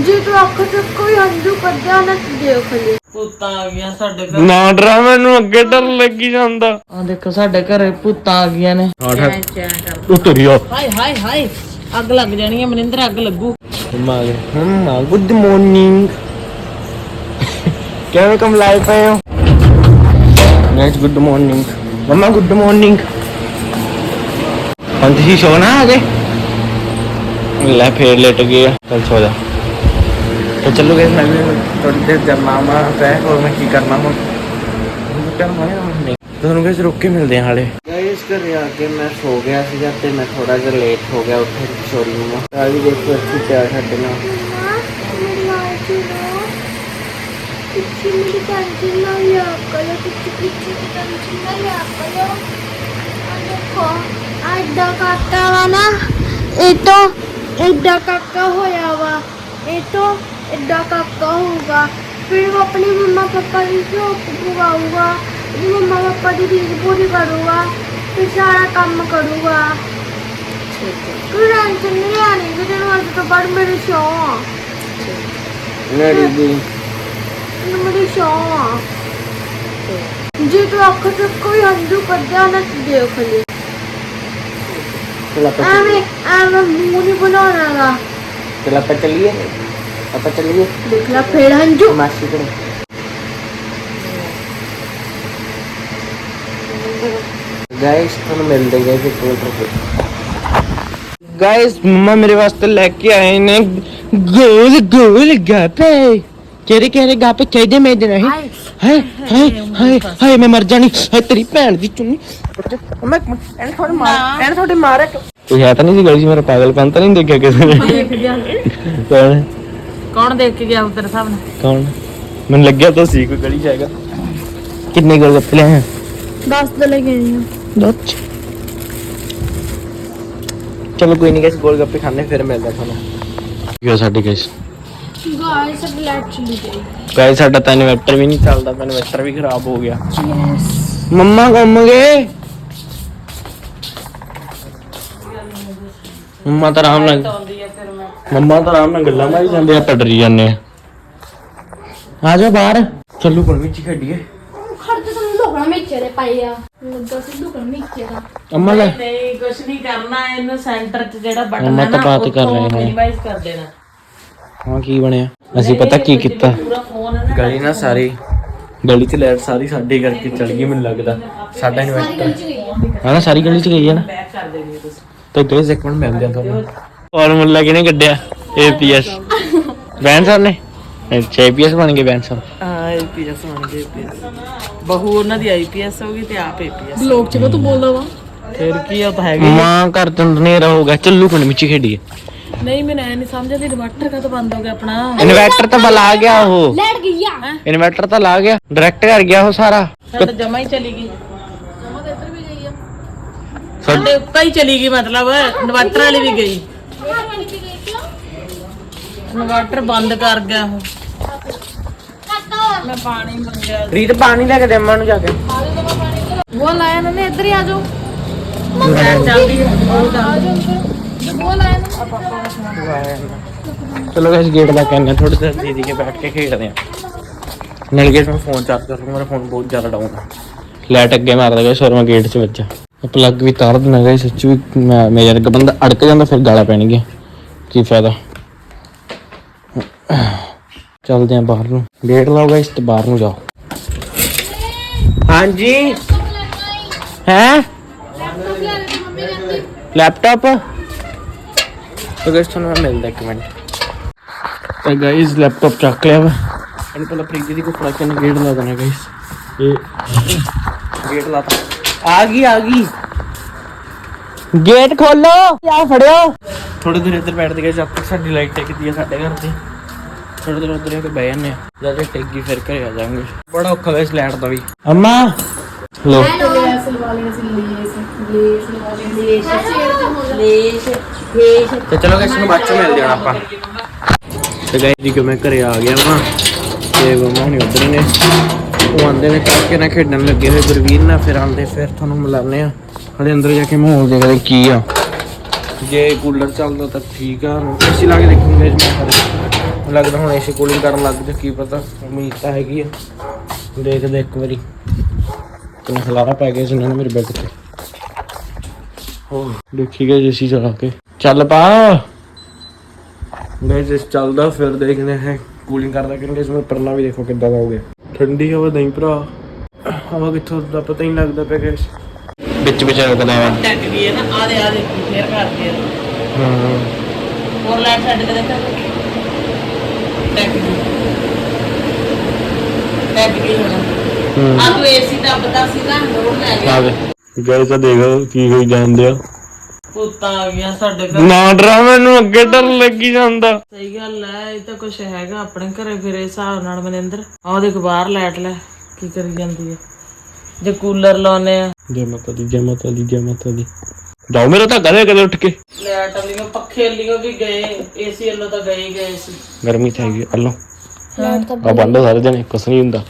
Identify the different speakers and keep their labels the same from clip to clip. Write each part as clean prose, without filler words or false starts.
Speaker 1: ਜੇ ਤੂੰ ਅੱਖ ਤੋਂ ਕੋਈ ਹੰਝੂ ਕੱਢਿਆ ਨਾ ਦੇਖ ਲਈ।
Speaker 2: ਭੂਤਾਂ ਆ ਗਈਆਂ ਸਾਡੇ ਘਰ।
Speaker 3: ਨਾ ਡਰਾ, ਮੈਨੂੰ ਅੱਗੇ ਡਰ ਲੱਗੀ ਜਾਂਦਾ।
Speaker 2: ਆ ਦੇਖੋ ਸਾਡੇ ਘਰੇ ਭੂਤਾਂ ਆ ਗਈਆਂ ਨੇ।
Speaker 3: ਉਤਰਿਓ
Speaker 2: ਹਾਏ ਹਾਏ ਹਾਏ, ਅੱਗ ਲੱਗ ਜਾਣੀ ਹੈ ਮਨਿੰਦਰ, ਅੱਗ ਲੱਗੂ।
Speaker 3: ਮੰਮਾ ਗੁੱਡ ਮਾਰਨਿੰਗ। ਕਿਵੇਂ ਕਮ ਲਾਏ ਪਏ ਹੋ ਗਾਇਸ? ਗੁੱਡ ਮਾਰਨਿੰਗ ਮੰਮਾ, ਗੁੱਡ ਮਾਰਨਿੰਗ। ਹੁਣ ਤੁਸੀਂ ਸੋਣਾ ਅਜੇ? ਲੈ ਫੇਰ ਲੇਟ ਗਏ। चल सो जा। तो चलो गैस, मैं भी थोड़ी देर जब मामा आता है और मैं की करना हूँ तो गैस रुक के मिलते हैं हाले। गाइस घर आके मैं सो गया सीगा ते मैं थोड़ा जिहा लेट हो गया उठे सॉरी मम्मा। अभी देखो अच्छी प्यार छड्डे ना
Speaker 1: मेरी टेंशन ना लिया करो, किसी टेंशन ना लिया करो। देखो एडा काका वा ना, ये तो एडा काका होया वा, ये तो एडा काका होगा। फिर वो अपनी मम्मा पापा की शौक पुगाऊगा, मम्मा पापा की चीज पूरी करूँगा, फिर सारा काम करूँगा। कोई टेंशन नहीं आनी कि तेन आज तो बड़ मेरे शौक मेरी शौक। जे तू अख से कोई हंझू कढ़िया ना देख ली। मुंह नहीं बनाना।
Speaker 3: चल आप चलिए, आप चलिए।
Speaker 1: देख ला फिर हंझू
Speaker 3: मासी को गाइस ਤੁਹਾਨੂੰ ਮਿਲ ਦੇਗਾ ਕਿ गाइस मम्मा मेरे वास्ते लेके आए ने गोल गोल गापे। केरे केरे गापे चाहिए मेरे नहीं। हाय हाय हाय हाय मैं मर जानी। हाय तेरी भैन दी चुन्नी। मैं एने थोड़े मारे तू है तो नहीं सी गली मेरा पागलपन तो नहीं देखा किसी ने?
Speaker 2: देख गया कौन देख के गया तेरे सामने?
Speaker 3: कौन? मैंने लग गया तो सी कोई गली जाएगा। कितने गोलगप्पे ले हैं?
Speaker 1: 10 तो लेके आई हूं।
Speaker 3: चलो कोई नहीं गाइस, गोलगप्पे खाने फिर मिलदा थानू। यो साडी गाइस
Speaker 1: गाइस अब लाइट चली गई।
Speaker 3: गाइस साडा तो इन्वर्टर भी नहीं चलदा, इन्वर्टर भी खराब हो गया। मम्मा घूम गए। मम्मा तो आराम नाल गल्लां मारी जांदे, आप डरी जांदे आ जाओ बाहर। चलो कोई विच खेडिए।
Speaker 1: खर्च तो लोगड़ा मेचे दे पाया लगा सी लोगड़ा मेचे दा।
Speaker 3: अम्मा ले
Speaker 2: नहीं कुछ नहीं करना, इन्हें सेंटर च जेड़ा बटन
Speaker 3: अम्मा
Speaker 2: है
Speaker 3: तो
Speaker 2: ना
Speaker 3: बात कर रहे हैं।
Speaker 2: मिनिमाइज कर देना।
Speaker 3: हाँ की बनया ਅਸੀਂ पता की ਕੀਤਾ
Speaker 2: पूरा फोन है ना
Speaker 3: गली ना सारी गली च लाइट सारी साडे करके चल गई। मैनूं लगदा साडा इन्वर्टर हां ना सारी गली च गई है ना।
Speaker 2: पैक कर देनी है तुसी।
Speaker 3: तो गाइस एक मिनट मिलदे आ ਤੁਹਾਨੂੰ। फार्मूला किने ਕੱਢਿਆ? एपीएस बैन साहब ने। अच्छा एपीएस बन गए बैन साहब।
Speaker 2: हां आईपीएस बन गए। आईपीएस बहू ਉਹਨਾਂ ਦੀ ਆਈਪੀਐਸ ਹੋਗੀ ਤੇ ਆਪ ਏਪੀਐਸ।
Speaker 1: लोग च तू बोलदा वा
Speaker 2: ਫਿਰ ਕੀ ਆ ਤਾਂ ਹੈਗਾ
Speaker 3: ਮਾਂ ਘਰ ਤੋਂ ਹਨੇਰਾ ਹੋ ਗਿਆ। ਚੱਲੂ ਪਿੰਡ ਵਿੱਚ ਖੇਡੀਏ।
Speaker 2: ਨਹੀਂ ਮੈਨੂੰ ਐ ਨਹੀਂ ਸਮਝਦੀ ਇਨਵਰਟਰ ਕਾ ਤਾਂ ਬੰਦ ਹੋ ਗਿਆ ਆਪਣਾ।
Speaker 3: ਇਨਵਰਟਰ ਤਾਂ ਬਲ ਆ ਗਿਆ ਉਹ।
Speaker 1: लेट गया
Speaker 3: इन्वर्टर तो ला गया, डायरेक्ट कर गया वो सारा।
Speaker 2: ਸਾਡਾ ਜਮਾ ਹੀ ਚਲੀ ਗਈ। ਸਾਡੇ ਉੱਕਾ ਹੀ ਚਲੀ ਗਈ, ਮਤਲਬ ਇਨਵਰਟਰ ਵਾਲੀ ਵੀ ਗਈ। ਇਨਵਰਟਰ ਬੰਦ ਕਰ ਗਿਆ ਉਹ। ਮੈਂ ਪਾਣੀ ਮੰਗਿਆ।
Speaker 3: रीत पानी लेके दे अम्मा नु जाके।
Speaker 1: वो लाया ना इधर ही आ जाओ।
Speaker 2: ਚੱਲਦੀ
Speaker 1: वो लाया ना
Speaker 3: चलो गाइस गेट ला के आने थोड़ी देर दीदी के बैठ के खेलते हैं। नल गेट में फोन चार्ज कर लूंगा, मेरा फोन बहुत ज्यादा डाउन है। लाइट अगे मार लगा और मैं गेट च बचा। प्लग भी तार देना गाइस, सच भी मेरे वर्गा बंदा अड़क जांदा फिर गाला पैणगियां, की फायदा। चलते हैं बाहर नूं। गेट लाओ गाइस ते बाहर नूं जाओ। हाँ जी है लैपटॉप तो गाइस ਤੁਹਾਨੂੰ ਮੈਂ ਮਿਲਦਾ ਇੱਕ ਮਿੰਟ। तो गाइस लैपटॉप ਚੱਕ ਲਿਆ ਵਾ। ਇਹਨੂੰ ਪਹਿਲਾਂ ਪ੍ਰੀਤ ਦੀ ਕੋ ਫੜਾ ਕੇ ਨਾ ਗੇਟ ਲਾ ਦੇਣਾ गाइस। ਇਹ ਗੇਟ ਲਾਤਾ। ਆ ਗਈ गेट खोलो ਆ ਫੜਿਓ। ਥੋੜੀ ਦੇਰ ਇੱਧਰ ਬੈਠਦੇ ਗਏ ਜਦ ਤੱਕ ਸਾਡੀ ਲਾਈਟ ਟਿਕਦੀ ਹੈ ਸਾਡੇ ਘਰ ਦੀ। ਥੋੜੀ ਦੇਰ ਉੱਧਰ ਆ ਕੇ ਬਹਿ ਜਾਂਦੇ ਆ, ਜਦ ਤੱਕ ਟਿਕ ਗਈ ਫਿਰ ਘਰੇ ਆ ਜਾਵਾਂਗੇ। ਬੜਾ ਔਖਾ गाइस ਲਾਈਟ ਦਾ ਵੀ। ਅੰਮਾ लो तो चलो गाइस ਨੂੰ ਬਾਅਦ ਚ ਮਿਲਦੇ ਹਾਂ ਆਪਾਂ। ਤੇ ਗਾਇਸ ਜੀ ਕਿ ਮੈਂ ਘਰੇ ਆ ਗਿਆ ਵਾਂ ਤੇ ਮਮਾ ਨੇ ਉਧਰ ਨੇ ਉਹ ਆਂਦੇ ਨੇ ਕਾਕੇ ਨਾਲ ਖੇਡਣ ਲੱਗੇ ਹੋਏ ਗੁਰਵੀਰ ਨਾਲ। ਫਿਰ ਆਂਦੇ ਫਿਰ ਤੁਹਾਨੂੰ ਮਿਲਾਉਂਦੇ ਆ। ਹਲੇ ਅੰਦਰ ਜਾ ਕੇ ਮਾਹੌਲ ਦੇਖਦੇ ਕੀ ਆ। ਜੇ ਕੂਲਰ ਚੱਲਦਾ ਤਾਂ ਠੀਕ ਆ, ਏਸੀ ਲਾ ਕੇ ਦੇਖੂੰਗੇ। ਲੱਗਦਾ ਹੁਣ ਏਸੀ ਕੂਲਿੰਗ ਕਰਨ ਲੱਗ ਜਾ, ਕੀ ਪਤਾ, ਉਮੀਦ ਤਾਂ ਹੈਗੀ ਆ। ਦੇਖਦੇ ਇੱਕ ਵਾਰੀ ਕਿੰਨਾ ਖਲਾਰਾ ਪੈ ਗਿਆ ਸੀ ਇਹਨਾਂ ਨੇ ਮੇਰੇ ਬੈੱਡ ਤੇ। ਹੋ ਦੇਖੀ ਗਏ ਏਸੀ ਚਲਾ ਕੇ ਚੱਲ ਪਾ ਗਾਇਸ, ਇਸ ਚੱਲਦਾ ਫਿਰ ਦੇਖਦੇ ਹੈ ਕੂਲਿੰਗ ਕਰਦਾ ਕਿੰਨੇ ਇਸ ਵਿੱਚ ਪਰਨਾ ਵੀ ਦੇਖੋ ਕਿੱਦਾਂ ਦਾ ਹੋ ਗਿਆ। ਠੰਡੀ ਹਵਾ ਨਹੀਂ ਭਰਾ, ਹਵਾ ਕਿੱਥੋਂ ਦਾ ਪਤਾ ਹੀ ਨਹੀਂ ਲੱਗਦਾ ਪਿਆ ਗਾਇਸ। ਵਿੱਚ ਰੁਕਦਾ ਹੈ
Speaker 2: ਟੈਕ ਗਈ ਹੈ ਨਾ, ਆਦੇ ਫੇਰ ਕਰਦੇ ਆ।
Speaker 3: ਹਾਂ
Speaker 2: ਹੋਰ ਲਾਈਟ ਛੱਡ ਕੇ ਦੇਖਾ ਟੈਕ ਗਈ ਹੁਣ। ਆ ਤੂੰ ਏਸੀ ਦਾ ਪਤਾ ਸੀ ਨਾ, ਰੋਡ ਲੈ ਗਿਆ।
Speaker 3: ਗਾਇਸ ਤਾਂ ਦੇਖ ਕੀ ਹੋਈ ਜਾਂਦੇ ਆ,
Speaker 2: ਭੂਤਾਂ ਆ ਗਿਆ ਸਾਡੇ ਘਰ।
Speaker 3: ਨਾ ਡਰਾ, ਮੈਨੂੰ ਅੱਗੇ ਡਰ ਲੱਗੀ ਜਾਂਦਾ।
Speaker 2: ਸਹੀ ਗੱਲ ਹੈ, ਇਹ ਤਾਂ ਕੁਛ ਹੈਗਾ ਆਪਣੇ ਘਰੇ ਫਿਰ ਇਸ ਹਿਸਾਬ ਨਾਲ। ਮਨਿੰਦਰ ਆਹ ਦੇਖ ਬਾਹਰ ਲਾਈਟ ਲੈ ਕੀ ਕਰੀ ਜਾਂਦੀ ਹੈ। ਜੇ ਕੂਲਰ ਲਾਉਨੇ ਆ,
Speaker 3: ਜੈ ਮਾਤਾ ਦੀ, ਜੈ ਮਾਤਾ ਦੀ, ਜੈ ਮਾਤਾ ਦੀ। ਜਾਓ ਮੇਰਾ ਤਾਂ ਕਦੇ ਕਦੇ ਉੱਠ ਕੇ।
Speaker 2: ਲਾਈਟ ਵਾਲੀਆਂ ਪੱਖੇ ਵਾਲੀਆਂ ਵੀ ਗਏ, ਏਸੀ ਵਾਲੋਂ ਤਾਂ ਗਏ ਹੀ ਗਏ ਸੀ।
Speaker 3: ਗਰਮੀ ਤਾਂ ਹੈਗੀ ਅੱਲੋ ਆ ਬੰਦ ਸਾਰੇ ਦਿਨ ਕੁਛ ਨਹੀਂ ਹੁੰਦਾ।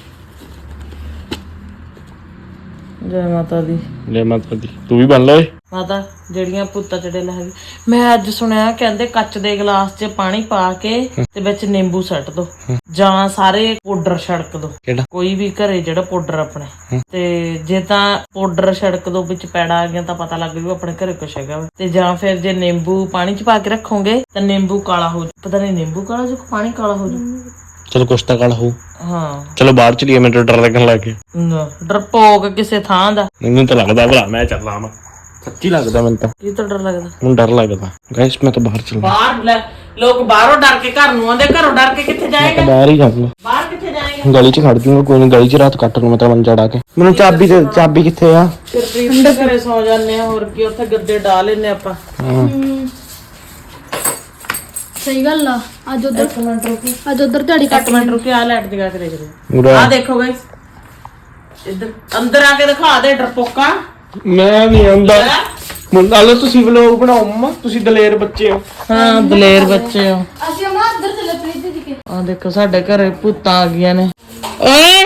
Speaker 2: ਜੈ ਮਾਤਾ ਦੀ,
Speaker 3: ਜੈ ਮਾਤਾ ਦੀ। ਤੂੰ ਵੀ ਬਣ ਲੈ
Speaker 2: ਮਾਤਾ ਜਿਹੜੀਆਂ ਭੂਤਾਂ ਚੜੇਲ ਹੈਗੀ। ਮੈਂ ਅੱਜ ਸੁਣਿਆ ਕਹਿੰਦੇ ਕੱਚ ਦੇ ਗਲਾਸ 'ਚ ਪਾਣੀ ਪਾ ਕੇ ਤੇ ਵਿੱਚ ਨਿੰਬੂ ਸੱਟ ਦੋ, ਜਾਂ ਸਾਰੇ ਪਾਊਡਰ ਛੜਕ ਦੋ।
Speaker 3: ਕਿਹੜਾ?
Speaker 2: ਕੋਈ ਵੀ ਘਰੇ ਜਿਹੜਾ ਪਾਊਡਰ ਆਪਣੇ, ਤੇ ਜੇ ਤਾਂ ਪਾਊਡਰ ਛੜਕ ਦੋ ਵਿੱਚ ਪੈੜਾ ਆ ਗਿਆ ਤਾਂ ਪਤਾ ਲੱਗ ਜੂ ਆਪਣੇ ਘਰੇ ਕੁਛ ਹੈਗਾ ਵਾ। ਤੇ ਜਾਂ ਫਿਰ ਜੇ ਨਿੰਬੂ ਪਾਣੀ 'ਚ ਪਾ ਕੇ ਰੱਖੋਗੇ ਤਾਂ ਨਿੰਬੂ ਕਾਲਾ ਹੋ ਜੂ। ਪਤਾ ਨਹੀਂ ਨਿੰਬੂ ਕਾਲਾ ਜੂ ਪਾਣੀ ਕਾਲਾ ਹੋ ਜੂ।
Speaker 3: ਚਲੋ ਕੁਛ ਤਾਂ ਕਾਲਾ ਹੋ।
Speaker 2: ਹਾਂ
Speaker 3: ਚਲੋ ਬਾਹਰ ਚਲੀਏ, ਮੈਨੂੰ ਡਰ ਲੱਗਣ ਲੱਗ ਗਿਆ।
Speaker 2: ਡਰਪੋਕ ਕਿਸੇ ਥਾਂ ਦਾ।
Speaker 3: ਮੈਨੂੰ ਤਾਂ ਲੱਗਦਾ ਭਲਾ ਮੈਂ ਚੱਲਾਂ ਵਾ, ਸੱਚੀ ਲੱਗਦਾ ਮੈਨੂੰ ਤਾਂ।
Speaker 2: ਕੀ ਤਾਂ ਡਰ ਲੱਗਦਾ?
Speaker 3: ਮੈਨੂੰ ਡਰ ਲੱਗਦਾ ਗਾਇਸ, ਮੈਂ ਤਾਂ ਬਾਹਰ ਚੱਲਾਂ।
Speaker 2: ਬਾਹਰ ਲੈ ਲੋਕ ਬਾਹਰੋਂ ਡਰ ਕੇ ਘਰ ਨੂੰ ਆਉਂਦੇ, ਘਰੋਂ ਡਰ ਕੇ ਕਿੱਥੇ ਜਾਏਗਾ?
Speaker 3: ਬਾਹਰ ਹੀ ਜਾਊਂਗਾ,
Speaker 2: ਬਾਹਰ ਕਿੱਥੇ ਜਾਏਗਾ?
Speaker 3: ਗਲੀ 'ਚ ਖੜ ਜੂੰਗਾ, ਕੋਈ ਨਹੀਂ ਗਲੀ 'ਚ ਰਾਤ ਕੱਟ ਲੂੰ ਮੈਂ ਤਾਂ ਮੰਜਾ ਡਾ ਕੇ। ਮੈਨੂੰ ਚਾਬੀ ਤੇ, ਚਾਬੀ ਕਿੱਥੇ ਆ?
Speaker 2: ਫਿਰ ਪ੍ਰੀਤ ਦੇ ਘਰੇ ਸੌ ਜਾਂਦੇ ਆ, ਹੋਰ ਕੀ ਉੱਥੇ ਗੱਦੇ ਡਾ ਲੈਨੇ ਆਪਾਂ।
Speaker 3: ਹਾਂ
Speaker 1: ਸਹੀ ਗੱਲ ਆ। ਅੱਜ ਉਧਰ ਤੁਹਾਡੀ
Speaker 2: ਕੱਟ ਮਿੰਟ ਰੁਕੇ, ਆ ਲਾਈਟ ਦਿਖਾ ਕੇ ਦੇਖਦੇ
Speaker 3: ਉਰਾ
Speaker 2: ਆ। ਦੇਖੋ ਗਾਇਸ ਇੱਧਰ ਅੰਦਰ ਆ ਕੇ ਦਿਖਾ ਦੇ ਡਰਪੋਕਾ।
Speaker 3: ਮੈਂ ਨਹੀਂ ਆਉਂਦਾ। ਨਾਲੇ ਤੁਸੀਂ ਵਲੋਗ ਬਣਾਓ ਮੰਮਾ, ਤੁਸੀਂ ਦਲੇਰ ਬੱਚੇ ਹੋ।
Speaker 2: ਹਾਂ ਦਲੇਰ ਬੱਚੇ ਹੋ।
Speaker 1: ਅਸੀਂ ਅਮਾ ਅੰਦਰ ਚੱਲੇ ਪ੍ਰੀਤ ਜੀ ਕੇ।
Speaker 2: ਆ ਦੇਖੋ ਸਾਡੇ ਘਰੇ ਭੂਤਾਂ ਆ ਗਈਆਂ ਨੇ। ਓਏ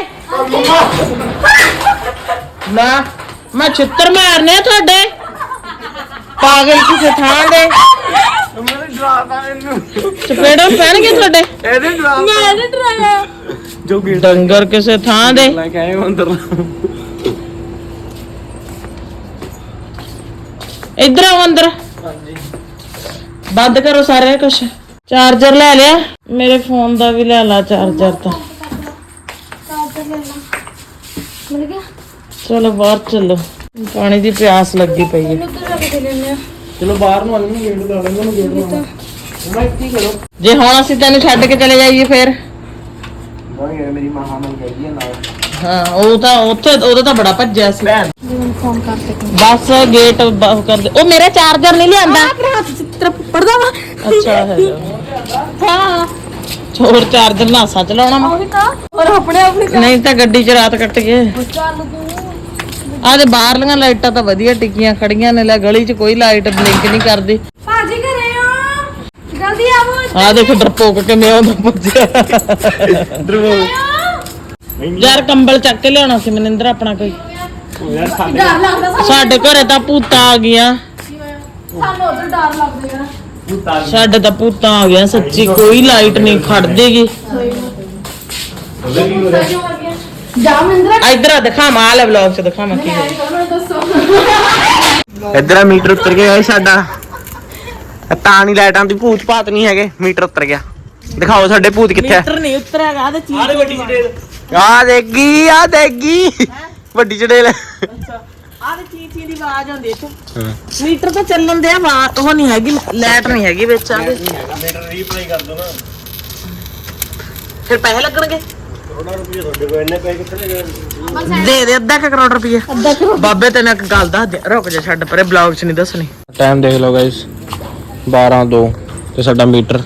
Speaker 2: ਨਾ ਮੈਂ ਛਿੱਤਰ ਮਾਰਨੇ ਆ ਤੁਹਾਡੇ, ਪਾਗਲ ਕਿਸੇ ਥਾਂ ਦੇ।
Speaker 3: ਮੈਨੂੰ ਡਰਾਤਾ ਇਹਨੂੰ,
Speaker 2: ਚਪੇੜਾਂ ਪੈਣਗੇ ਤੁਹਾਡੇ।
Speaker 3: ਇਹਦੇ ਡਰਾਤਾ
Speaker 1: ਮੈਂ ਨਹੀਂ ਡਰਾਇਆ।
Speaker 3: ਜੋ ਗੇਟ
Speaker 2: ਡੰਗਰ ਕਿਸੇ ਥਾਂ ਦੇ।
Speaker 3: ਲੈ ਕੇ ਆਏ ਅੰਦਰ।
Speaker 2: ਇੱਧਰ ਆਓ ਅੰਦਰ।
Speaker 3: ਹਾਂਜੀ
Speaker 2: ਬੰਦ ਕਰੋ ਸਾਰੇ ਕੁਛ। ਚਾਰਜਰ ਲੈ ਲਿਆ, ਮੇਰੇ ਫੋਨ ਦਾ ਵੀ ਲੈ ਲਾ ਚਾਰਜਰ ਤਾਂ।
Speaker 1: ਮਿਲ ਗਿਆ।
Speaker 2: ਚਲੋ ਬਾਹਰ ਚੱਲੋ, ਪਾਣੀ ਦੀ ਪਿਆਸ ਲੱਗੀ ਪਈ ਹੈ।
Speaker 1: ਉੱਧਰ ਜਾ ਕੇ ਲੈਣੇ ਆ।
Speaker 3: ਚਲੋ ਬਾਹਰ ਨੂੰ ਆਲੂ ਗੇਟ ਲਾ ਲੈਂਦੇ ਨੂੰ, ਗੇਟ ਲਾ ਮੈਂ ਕੀ ਕਰੋ।
Speaker 2: ਜੇ ਹੁਣ ਅਸੀਂ ਤੈਨੂੰ ਛੱਡ ਕੇ ਚਲੇ ਜਾਈਏ ਫਿਰ?
Speaker 3: ਨਹੀਂ ਯਾਰ ਮੇਰੀ ਮਾਂ ਮਨ ਗਈ ਹੈ ਨਾਲ।
Speaker 2: ਹਾਂ ਉਹ ਤਾਂ ਉੱਥੇ ਉਹਦਾ ਤਾਂ ਬੜਾ ਭੱਜਿਆ ਸੀ।
Speaker 1: ਜਿਵੇਂ ਫੋਨ ਕਰ ਸਕਾਂ।
Speaker 2: ਬਸ ਗੇਟ ਬੰਦ ਕਰ ਦੇ। ਉਹ ਮੇਰਾ ਚਾਰਜਰ ਨਹੀਂ ਲਿਆਂਦਾ।
Speaker 1: ਆਪਣੇ ਹੱਥ ਚ ਤੇਰਾ ਪੜਦਾ ਵਾ।
Speaker 2: ਅੱਛਾ ਹੈ
Speaker 1: ਹਾਂ
Speaker 2: ਹੋਰ ਚਾਰਜਰ ਨਾਸਾ ਚਲਾਉਣਾ ਵਾ।
Speaker 1: ਉਹ ਵੀ ਤਾਂ ਔਰ ਆਪਣੇ
Speaker 2: ਨਹੀਂ ਤਾਂ ਗੱਡੀ 'ਚ ਰਾਤ ਕੱਟ ਗਏ।
Speaker 1: ਚੱਲ ਤੂੰ
Speaker 2: ਆਹ ਤੇ ਬਾਹਰਲੀਆਂ ਲਾਈਟਾਂ ਤਾਂ ਵਧੀਆ ਟਿਕੀਆਂ ਖੜੀਆਂ ਨੇ। ਲੈ ਗਲੀ 'ਚ ਕੋਈ ਲਾਈਟ ਬਲਿੰਕ ਨਹੀਂ ਕਰਦੀ।
Speaker 1: ਭਾਜੀ ਘਰੇ ਆ, ਜਲਦੀ ਆਵੋ।
Speaker 2: ਆਹ ਦੇਖ ਡਰਪੋਕ ਕਿਵੇਂ ਆਉਂਦਾ ਭੱਜਿਆ। ਯਾਰ ਕੰਬਲ ਚੱਕ ਕੇ ਲਿਆਉਣਾ ਸੀ ਮਨਿੰਦਰ ਆਪਣਾ ਕੋਈ।
Speaker 3: ਯਾਰ ਸਾਡੇ
Speaker 1: ਡਰ ਲੱਗਦਾ
Speaker 2: ਸਾਡੇ ਘਰੇ ਤਾਂ ਭੂਤਾਂ ਆ ਗਈਆਂ।
Speaker 1: ਸਾਨੂੰ ਉਧਰ ਡਰ ਲੱਗਦਾ ਯਾਰ।
Speaker 2: ਸਾਡੇ ਤਾਂ ਭੂਤਾਂ ਆ ਗਿਆ ਸੱਚੀ, ਕੋਈ ਲਾਈਟ ਨਹੀਂ ਖੜਦੇਗੀ।
Speaker 1: ਜਾ ਮਹਿੰਦਰਾ
Speaker 2: ਇਧਰ ਆ ਦਿਖਾਵਾਂ, ਆ ਲੈ ਵਲੌਗ 'ਚ ਦਿਖਾਵਾਂ ਕੀ ਹੋਇਆ।
Speaker 1: ਦੱਸੋ।
Speaker 3: ਇੱਧਰ ਮੀਟਰ ਉੱਤਰ ਗਿਆ ਗਾਇਸ ਸਾਡਾ। ਤਾਂ ਨਹੀਂ ਲਾਈਟਾਂ ਦੀ ਭੂਤ ਭਾਤ ਨਹੀਂ ਹੈਗੇ, ਮੀਟਰ ਉੱਤਰ ਗਿਆ। ਦਿਖਾਓ ਸਾਡੇ ਭੂਤ ਕਿੱਥੇ ਆ।
Speaker 2: ਮੀਟਰ ਨਹੀਂ ਉਤਰਿਆਗਾ। ਆ ਤੇ ਚੀਜ਼
Speaker 3: ਆ ਦੇਗੀ, ਆ ਦੇਗੀ ਵੱਡੀ ਚੜੇਲ।
Speaker 2: ਅੱਛਾ ਆ ਤੇ ਚੀਂ ਦੀ ਆਵਾਜ਼ ਆਉਂਦੀ ਇੱਥੇ। ਮੀਟਰ ਤਾਂ ਚੱਲਣ ਦੇ ਆ, ਉਹ ਨਹੀਂ ਹੈਗੀ, ਲਾਈਟ ਨਹੀਂ ਹੈਗੀ ਵਿੱਚ। ਆ
Speaker 3: ਮੀਟਰ ਰੀਪਲੇ ਕਰ ਦੋ ਨਾ,
Speaker 2: ਫਿਰ ਪੈਸੇ ਲੱਗਣਗੇ।
Speaker 3: ਕਰੋੜਾਂ ਰੁਪਏ ਤੁਹਾਡੇ ਕੋਲ ਇੰਨੇ ਪੈਸੇ ਕਿੱਥੇ ਗਏ?
Speaker 2: ਦੇ ਦੇ ਅੱਧਾ ਕੁ ਕਰੋੜ ਰੁਪਏ। ਬਾਬੇ ਤੈਨੂੰ ਇੱਕ ਗੱਲ ਦੱਸ ਦੇ, ਰੁਕ ਜਾ ਛੱਡ ਪਰੇ, ਬਲੌਗ 'ਚ ਨਹੀਂ ਦੱਸਣੀ।
Speaker 3: ਟਾਈਮ ਦੇਖ ਲਓ ਗਾਇਸ 12:02 ਤੇ ਸਾਡਾ ਮੀਟਰ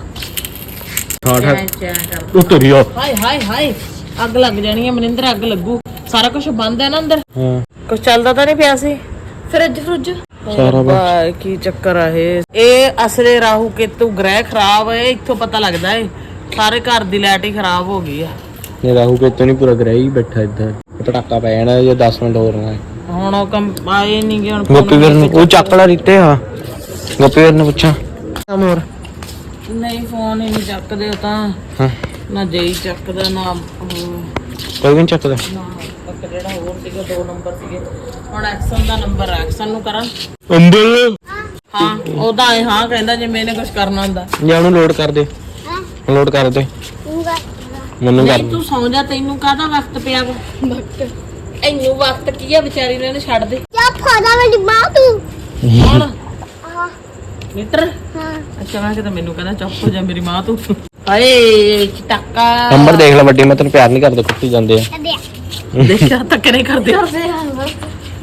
Speaker 3: ਉਤਰਿਆ।
Speaker 2: ਹਾਏ ਹਾਏ ਹਾਏ ਅੱਗ ਲੱਗ ਜਾਣੀ ਹੈ ਮਨਿੰਦਰ, ਅੱਗ ਲੱਗੂ। ਸਾਰਾ ਕੁਝ ਬੰਦ ਹੈ ਨਾ ਅੰਦਰ,
Speaker 3: ਹਾਂ
Speaker 2: ਕੁਝ ਚੱਲਦਾ ਤਾਂ ਨਹੀਂ ਪਿਆ ਸੀ।
Speaker 1: ਫਰਿੱਜ
Speaker 3: ਸਾਰਾ
Speaker 2: ਬਾਈ ਕੀ ਚੱਕਰ ਆ ਇਹ ਅਸਲੇ ਰਾਹੂ ਕੇਤੂ ਗ੍ਰਹਿ ਖਰਾਬ ਹੈ। ਇੱਥੋਂ ਪਤਾ ਲੱਗਦਾ ਹੈ ਸਾਰੇ ਘਰ ਦੀ ਲਾਈਟ ਹੀ ਖਰਾਬ ਹੋ ਗਈ ਆ।
Speaker 3: ਇਹ ਰਾਹੂ ਕਿਤੋਂ ਨਹੀਂ ਪੂਰਾ ਗ੍ਰਹਿ ਹੀ ਬੈਠਾ ਇੱਧਰ। ਪਟਾਕਾ ਪੈ ਜਾਣਾ ਜੇ 10 ਮਿੰਟ ਹੋਰ ਨਾ।
Speaker 2: ਹੁਣ ਉਹ ਕੰਮ ਆਏ ਨਹੀਂ ਗਏ। ਹੁਣ
Speaker 3: ਗੋਪੀ ਵੀਰ ਨੂੰ ਉਹ ਚੱਕ ਲਾ ਰੀਤੇ ਆ, ਗੋਪੀ ਵੀਰ ਨੂੰ ਪੁੱਛਾਂ।
Speaker 2: ਹੋਰ ਨਹੀਂ ਫੋਨ ਹੀ ਨਹੀਂ ਚੱਕਦੇ ਉਹ ਤਾਂ
Speaker 3: ਹਾਂ
Speaker 2: ਨਾ ਜਈ ਚੱਕਦਾ ਨਾ
Speaker 3: ਕੋਈ ਵੀ ਨਹੀਂ ਚੱਕਦਾ
Speaker 2: ਨਾ ਇੱਕ ਜਿਹੜਾ ਹੋਰ ਸੀਗਾ 2 ਨੰਬਰ ਸੀਗੇ ਹੁਣ ਐਕਸ਼ਨ ਦਾ ਨੰਬਰ ਐਕਸ਼ਨ ਨੂੰ ਕਰਾਂ
Speaker 3: ਅੰਬਲ
Speaker 2: ਹਾਂ ਉਹਦਾ ਹਾਂ ਕਹਿੰਦਾ ਜੇ ਮੈਨੇ ਕੁਝ ਕਰਨਾ ਹੁੰਦਾ
Speaker 3: ਜਾਂ ਉਹਨੂੰ ਲੋਡ ਕਰ ਦੇ ਲੋਡ ਕਰ ਦੇ ਮੈਨੂੰ ਕਰ
Speaker 2: ਨਹੀਂ ਤੂੰ ਸੌਂ ਜਾ ਤੈਨੂੰ ਕਾਹਦਾ ਵਕਤ ਪਿਆ ਵਾ ਵਕਤ ਇੰਨੂੰ ਵਕਤ ਕੀ ਆ ਵਿਚਾਰੀ ਨੇ ਛੱਡ ਦੇ
Speaker 1: क्या फायदा मेरी माँ तू
Speaker 2: ਹੁਣ
Speaker 1: हाँ
Speaker 2: ਮੀਟਰ
Speaker 1: हाँ
Speaker 2: ਅੱਛਾ ਮੈਂ ਕਿਹਾ ਮੈਨੂੰ ਕਹਿੰਦਾ ਚੁੱਪ ਹੋ ਜਾ ਮੇਰੀ ਮਾਂ ਤੂੰ ਹਾਏ ਚਟਾਕਾ
Speaker 3: ਨੰਬਰ ਦੇਖ ਲੈ ਵੱਡੀ ਮੈਂ ਤੈਨੂੰ ਪਿਆਰ ਨਹੀਂ ਕਰਦਾ ਕੁੱਤੀ ਜਾਂਦੇ ਆ
Speaker 1: दे
Speaker 2: ਦੇਖਿਆ ਧੱਕੇ ਨਹੀਂ ਕਰਦੇ
Speaker 1: दे हाँ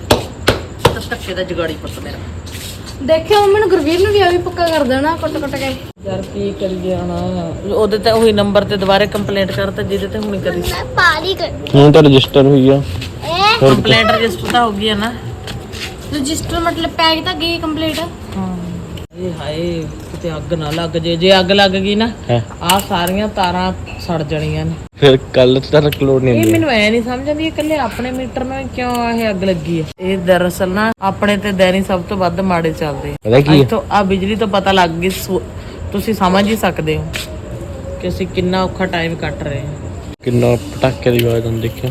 Speaker 2: ਧੱਕੇ ਦਾ ਜਗਾੜੀ ਪੁੱਤ ਮੇਰਾ
Speaker 1: ਦੇਖਿਓ ਮੈਨੂੰ ਗੁਰਵੀਰ ਨੂੰ ਵੀ ਆ ਵੀ ਪੱਕਾ ਕਰ ਦੇਣਾ ਕੁੱਟ ਕੇ
Speaker 2: ਯਾਰ ਕੀ ਕਰੀਏ ਹੁਣ ਉਹਦੇ ਤੇ ਉਹੀ ਨੰਬਰ ਤੇ ਦੁਬਾਰੇ ਕੰਪਲੇਂਟ ਕਰਤਾ ਜਿਹਦੇ ਤੇ ਹੁਣ ਕਰੀ
Speaker 1: मैं पारी कर
Speaker 3: ਹੁਣ ਤਾਂ ਰਜਿਸਟਰ ਹੋਈ ਆ
Speaker 1: ए
Speaker 2: ਕੰਪਲੇਂਟ ਰਜਿਸਟਰ ਤਾਂ ਹੋ ਗਈ ਹੈ ਨਾ
Speaker 1: रजिस्टर मतलब पैक तक गई कंप्लीट
Speaker 2: ਹਾਂ ਇਹ ਹਾਏ ਕਿਤੇ ਅੱਗ ਨਾ ਲੱਗ ਜੇ ਅੱਗ ਲੱਗ ਗਈ ਨਾ
Speaker 3: ਹੈ
Speaker 2: ਆਹ ਸਾਰੀਆਂ ਤਾਰਾਂ ਸੜ ਜਾਣੀਆਂ ਨੇ
Speaker 3: ਫਿਰ ਕੱਲ ਤੱਕ ਲੋਡ ਨਹੀਂ
Speaker 2: ਇਹ
Speaker 3: ਹੁੰਦੀ
Speaker 2: ਮੈਨੂੰ ਐ ਨਹੀਂ ਸਮਝ ਆਉਂਦੀ ਇਕੱਲੇ ਆਪਣੇ ਮੀਟਰ ਨਾਲ ਕਿਉਂ ਇਹ ਅੱਗ ਲੱਗੀ ਹੈ ਇਹ ਦਰਅਸਲ ਨਾ ਆਪਣੇ ਤੇ ਦੈਨੀ ਸਭ ਤੋਂ ਵੱਧ ਮਾੜੇ ਚੱਲਦੇ ਆ
Speaker 3: ਪਤਾ ਕੀ
Speaker 2: ਅੱਜ ਤੋਂ ਆ ਬਿਜਲੀ ਤੋਂ ਪਤਾ ਲੱਗ ਗਈ ਤੁਸੀਂ ਸਮਝ ਹੀ ਸਕਦੇ ਹੋ ਕਿ ਅਸੀਂ ਕਿੰਨਾ ਔਖਾ ਟਾਈਮ ਕੱਟ ਰਹੇ ਹਾਂ
Speaker 3: ਕਿੰਨਾ ਪਟਾਕੇ ਦੀ ਆਵਾਜ਼ ਆਉਂਦੀ ਦੇਖਿਆ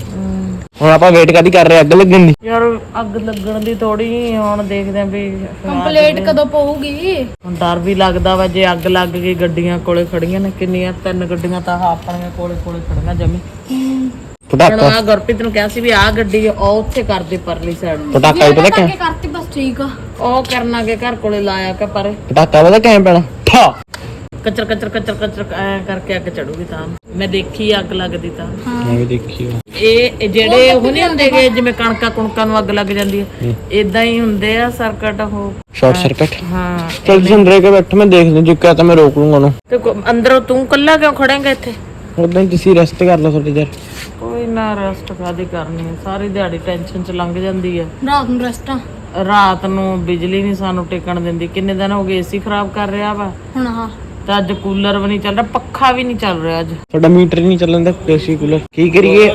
Speaker 3: ਹੁਣ ਆਪਾਂ ਵੇਟ ਕਾਦੀ ਕਰ ਰਹੇ ਅੱਗ ਲੱਗਣ ਦੀ
Speaker 2: ਯਾਰ ਅੱਗ ਲੱਗਣ ਦੀ ਥੋੜੀ ਹੁਣ ਦੇਖਦੇ ਆਂ ਵੀ
Speaker 1: कंप्लीट कदों पऊगी
Speaker 2: ਹੁਣ ਡਰ ਵੀ ਲੱਗਦਾ ਵਾ ਜੇ ਅੱਗ ਲੱਗ ਗਈ ਗੱਡੀਆਂ ਕੋਲੇ ਖੜੀਆਂ ਨੇ ਕਿੰਨੀਆਂ 3 ਗੱਡੀਆਂ ਤਾਂ ਆਹ ਆਪਣੀਆਂ ਕੋਲੇ ਖੜੀਆਂ ਜਮੀ ਹੁਣ
Speaker 3: ਪਟਾਕਾ
Speaker 2: ਆ ਗੁਰਪ੍ਰੀਤ ਨੂੰ ਕਿਹਾ ਸੀ ਵੀ ਆਹ ਗੱਡੀ ਉਹ ਉੱਥੇ ਕਰਦੇ ਪਰਲੀ ਸਾਈਡ
Speaker 3: ਪਟਾਕਾ ਹੀ ਪਤਾ ਕਿਆ
Speaker 1: करती बस ठीक है
Speaker 2: ਉਹ ਕਰਨਾ ਕੇ ਘਰ ਕੋਲੇ ਲਾਇਆ ਕਿ ਪਰੇ
Speaker 3: ਪਟਾਕਾ ਪਤਾ ਕਿਵੇਂ ਪੈਣਾ ਠਾ
Speaker 2: ਕਚਰ ਕਚਰ ਕਚਰ ਕਚਰ ਐ ਕਰਕੇ ਅੱਗ ਚੜੂਗੀ ਤਾਂ ਮੈਂ ਦੇਖੀ ਅੱਗ ਲੱਗਦੀ ਤਾਂ
Speaker 3: ਮੈਂ ਵੀ ਦੇਖੀ ਆ
Speaker 2: ਇਹ ਜਿਹੜੇ ਉਹ ਨਹੀਂ ਹੁੰਦੇਗੇ ਜਿਵੇਂ ਕਣਕਾਂ ਨੂੰ ਅੱਗ ਲੱਗ ਜਾਂਦੀ ਹੈ ਇਦਾਂ ਹੀ ਹੁੰਦੇ ਆ ਸਰਕਟ ਉਹ
Speaker 3: ਸ਼ਾਰਟ ਸਰਕਟ
Speaker 2: ਹਾਂ
Speaker 3: ਚੱਲ ਜਿੰਦਰੇ ਕੇ ਬੈਠ ਮੈਂ ਦੇਖ ਲੂੰ ਜੇ ਕਿਹਾ ਤਾਂ ਮੈਂ ਰੋਕ ਲੂੰਗਾ ਉਹਨੂੰ
Speaker 2: ਤੇ ਅੰਦਰੋਂ ਤੂੰ ਕੱਲਾ ਕਿਉਂ ਖੜੇਂਗਾ ਇੱਥੇ
Speaker 3: ਉਦਾਂ ਹੀ ਤੁਸੀਂ ਰੈਸਟ ਕਰ ਲਓ ਥੋੜੀ ਦੇਰ
Speaker 2: ਕੋਈ ਨਾ ਰੈਸਟ ਕਾਦੀ ਕਰਨੀ ਹੈ ਸਾਰੀ ਦਿਹਾੜੀ ਟੈਨਸ਼ਨ ਚ ਲੰਘ ਜਾਂਦੀ ਹੈ
Speaker 1: रात में रेस्टा
Speaker 2: ਰਾਤ ਨੂੰ ਬਿਜਲੀ ਨਹੀਂ ਸਾਨੂੰ ਟਿਕਣ ਦਿੰਦੀ ਕਿੰਨੇ ਦਿਨ ਹੋ ਗਏ ਏਸੀ ਖਰਾਬ ਕਰ ਰਿਹਾ ਵਾ
Speaker 1: हुन हाँ
Speaker 2: ਤੇ ਅੱਜ ਕੂਲਰ ਵੀ ਨਹੀਂ ਚੱਲ ਰਿਹਾ ਪੱਖਾ ਵੀ ਨਹੀਂ ਚੱਲ ਰਿਹਾ ਅੱਜ
Speaker 3: ਤੁਹਾਡਾ ਮੀਟਰ ਹੀ ਨਹੀਂ ਚੱਲਣ ਦਾ ਏਸੀ ਕੂਲਰ ਕੀ ਕਰੀਏ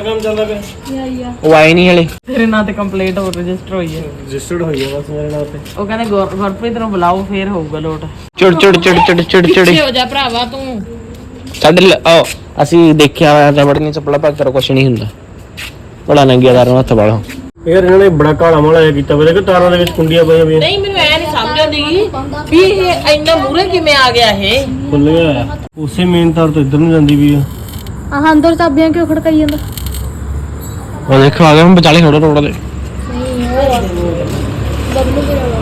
Speaker 1: या
Speaker 3: ਉਹ ਆਏ ਨਹੀਂ ਹਲੇ
Speaker 2: ਤੇਰੇ ਨਾਂ ਤੇ ਕੰਪਲੇਂਟ ਹੋ ਰਜਿਸਟਰ ਹੋਈ ਹੈ
Speaker 3: ਰਜਿਸਟਰਡ ਹੋਈ ਹੈ ਬਸ ਮੇਰੇ ਨਾਲ ਤੇ
Speaker 2: ਉਹ ਕਹਿੰਦੇ ਗੁਰਪ੍ਰੀਤ ਨੂੰ ਬੁਲਾਓ ਫੇਰ ਹੋਊਗਾ ਲੋਟ
Speaker 3: ਚੜ ਚੜ ਚੜ ਚੜ ਚੜ ਚੜ
Speaker 2: ਪਿੱਛੇ ਹੋ ਜਾ ਭਰਾਵਾ ਤੂੰ
Speaker 3: ਸਾਡੇ ਅਸੀਂ ਦੇਖਿਆ ਹੋਇਆ ਰਬੜ ਨਹੀਂ ਚੱਪਲਾ ਪਾ ਕੇ ਕੁਛ ਨਹੀਂ ਹੁੰਦਾ ਬੜਾ ਨੰਗਿਆਦਾਰ ਹੱਥ ਵਾਲਾ
Speaker 4: ਯਾਰ ਇਹਨਾਂ ਨੇ ਬੜਾ ਕਾਲਾ ਮਾਲਾ ਜਿਹਾ ਕੀਤਾ ਵੇ ਕਿ ਤਾਰਾਂ ਦੇ ਵਿੱਚ ਕੁੰਡੀਆਂ ਪਈਆਂ ਪਈਆਂ
Speaker 2: ਨਹੀਂ ਮੈਨੂੰ ਐ ਨਹੀਂ ਸਮਝ ਆਉਂਦੀ ਵੀ ਇਹ ਇੰਨਾ ਮੂਰੇ ਕਿਵੇਂ ਆ ਗਿਆ ਇਹ
Speaker 4: ਖੁੱਲ ਗਿਆ ਉਸੇ ਮੇਨ ਤਾਰ ਤੋਂ ਇੱਧਰ ਨੂੰ ਜਾਂਦੀ ਵੀ ਆ
Speaker 1: हाँ अंदर चाबियां क्यों खड़काई ਜਾਂਦਾ
Speaker 3: ਉਹ ਦੇਖੋ ਆ ਗਿਆ ਮੈਂ ਵਿਚਾਲੇ ਖੜਾ ਰੋਡ ਦੇ
Speaker 1: बदलू के लगा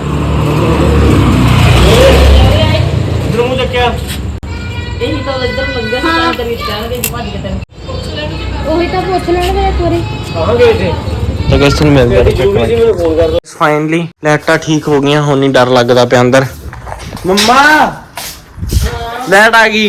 Speaker 4: ਇੱਧਰ ਨੂੰ ਚੱਕਿਆ
Speaker 2: ਇਹੀ ਤਾਂ ਇੱਧਰ ਲੱਗਿਆ ਸੀ ਤਾਂ ਤੇਰੀ ਚਾਹਣਗੇ ਭੱਜ ਕੇ ਤੈਨੂੰ
Speaker 1: ਉਹੀ ਤਾਂ ਪੁੱਛ ਲੈਣਗੇ ਇੱਕ ਵਾਰੀ
Speaker 4: ਕਹਾਂ ਗਏ ਸੀ
Speaker 3: ਤਾਂ ਕਿਸ ਨੂੰ ਮਿਲ
Speaker 4: ਜ਼ਰੂਰੀ ਸੀ ਮੈਨੂੰ ਫੋਨ ਕਰ ਦੋ
Speaker 3: ਫਾਈਨਲੀ ਲਾਈਟਾਂ ਠੀਕ ਹੋ ਗਈਆਂ ਹੁਣ ਨਹੀਂ ਡਰ ਲੱਗਦਾ ਪਿਆ ਅੰਦਰ ਮੰਮਾ ਲਾਈਟ ਆ ਗਈ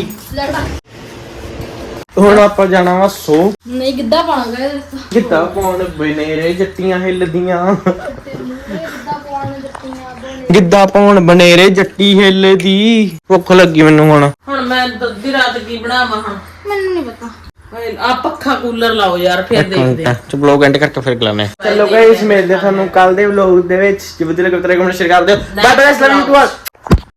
Speaker 3: ਹੁਣ ਆਪਾਂ ਜਾਣਾ ਵਾ ਸੋ
Speaker 1: ਨਹੀਂ ਗਿੱਧਾ ਪਾਣਾਗਾ
Speaker 3: ਕਿੱਦਾਂ ਪਾਉਣ ਬਨੇਰੇ ਜੱਟੀਆਂ ਹਿੱਲਦੀਆਂ
Speaker 1: ਗਿੱਧਾ ਪਾਉਣ ਜੱਟੀਆਂ
Speaker 3: ਗਿੱਧਾ ਪਾਉਣ ਬਨੇਰੇ ਜੱਟੀ ਹਿੱਲਦੀ ਭੁੱਖ ਲੱਗੀ ਮੈਨੂੰ
Speaker 2: ਹੁਣ ਮੈਂ ਅੱਧੀ ਰਾਤ ਕੀ ਬਣਾਵਾਂ ਹੁਣ
Speaker 1: ਮੈਨੂੰ ਨਹੀਂ ਪਤਾ
Speaker 2: ਆ ਪੱਖਾ ਕੂਲਰ ਲਾਓ ਯਾਰ ਫੇਰ ਦੇਖਦੇ ਆ
Speaker 3: ਚਲੋ ਵਲੌਗ ਐਂਡ ਕਰਕੇ ਫਿਰ ਗਲਾਨੇ ਚਲੋ ਗਾਇਸ ਮਿਲਦੇ ਤੁਹਾਨੂੰ ਕੱਲ ਦੇ ਵਲੌਗ ਦੇ ਵਿੱਚ ਜੇ ਵਧੀਆ ਲੱਗੇ ਤਾਂ ਕਮੈਂਟ ਸ਼ੇਅਰ ਕਰ ਦਿਓ ਬਾਏ ਬਾਏ ਅਸਲਾਮ ਅਲੈਕੁਮ